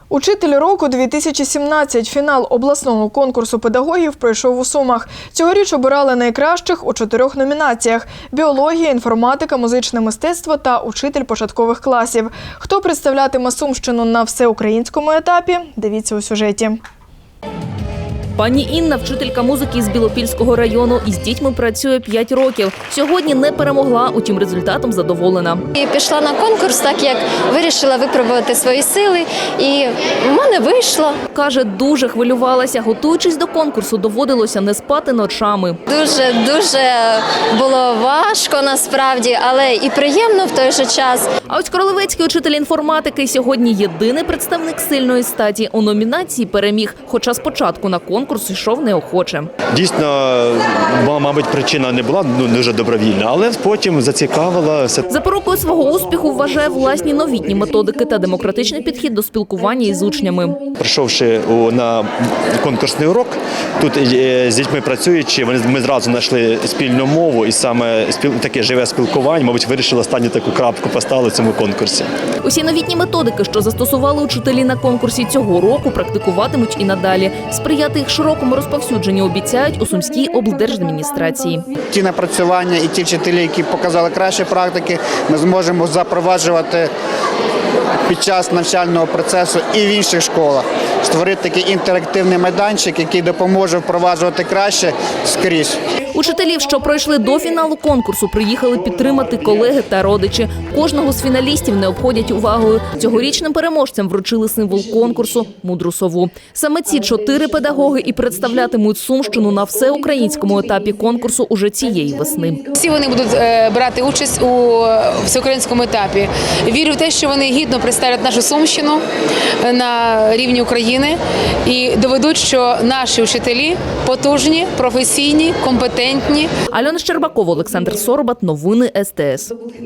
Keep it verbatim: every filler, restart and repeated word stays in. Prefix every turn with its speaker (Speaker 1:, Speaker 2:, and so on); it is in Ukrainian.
Speaker 1: Учитель року дві тисячі сімнадцять. Фінал обласного конкурсу педагогів пройшов у Сумах. Цьогоріч обирали найкращих у чотирьох номінаціях – біологія, інформатика, музичне мистецтво та учитель початкових класів. Хто представлятиме Сумщину на всеукраїнському етапі – дивіться у сюжеті.
Speaker 2: Пані Інна – вчителька музики з Білопільського району. Із дітьми працює п'ять років. Сьогодні не перемогла, утім результатом задоволена.
Speaker 3: І пішла на конкурс, так як вирішила випробувати свої сили, і в мене вийшло.
Speaker 2: Каже, дуже хвилювалася. Готуючись до конкурсу, доводилося не спати ночами.
Speaker 3: Дуже-дуже було важко насправді, але і приємно в той же час.
Speaker 2: А ось королевецький учитель інформатики сьогодні єдиний представник сильної статі. У номінації переміг, хоча спочатку на конкурс йшов неохоче.
Speaker 4: Дійсно, мабуть, причина не була ну, дуже добровільна, але потім зацікавила.
Speaker 2: Запорукою свого успіху вважає власні новітні методики та демократичний підхід до спілкування із учнями.
Speaker 4: Прийшовши на конкурсний урок, тут з дітьми працюючи, ми зразу знайшли спільну мову і саме таке живе спілкування, мабуть, вирішили останню таку крапку поставити в цьому конкурсі.
Speaker 2: Усі новітні методики, що застосували учителі на конкурсі цього року, практикуватимуть і надалі. Сприяти їх широкому розповсюдженню обіцяють у Сумській облдержадміністрації.
Speaker 5: Ті напрацювання і ті вчителі, які показали кращі практики, ми зможемо запроваджувати під час навчального процесу і в інших школах. Створити такий інтерактивний майданчик, який допоможе впроваджувати краще скрізь.
Speaker 2: Учителів, що пройшли до фіналу конкурсу, приїхали підтримати колеги та родичі. Кожного з фіналістів не обходять увагою. Цьогорічним переможцям вручили символ конкурсу – мудру сову. Саме ці чотири педагоги і представлятимуть Сумщину на всеукраїнському етапі конкурсу уже цієї весни.
Speaker 6: Всі вони будуть брати участь у всеукраїнському етапі. Вірю в те, що вони гідно представлять нашу Сумщину на рівні України і доведуть, що наші вчителі потужні, професійні, компетентні.
Speaker 2: Альона Щербакова, Олександр Соробат. Новини ес те ес.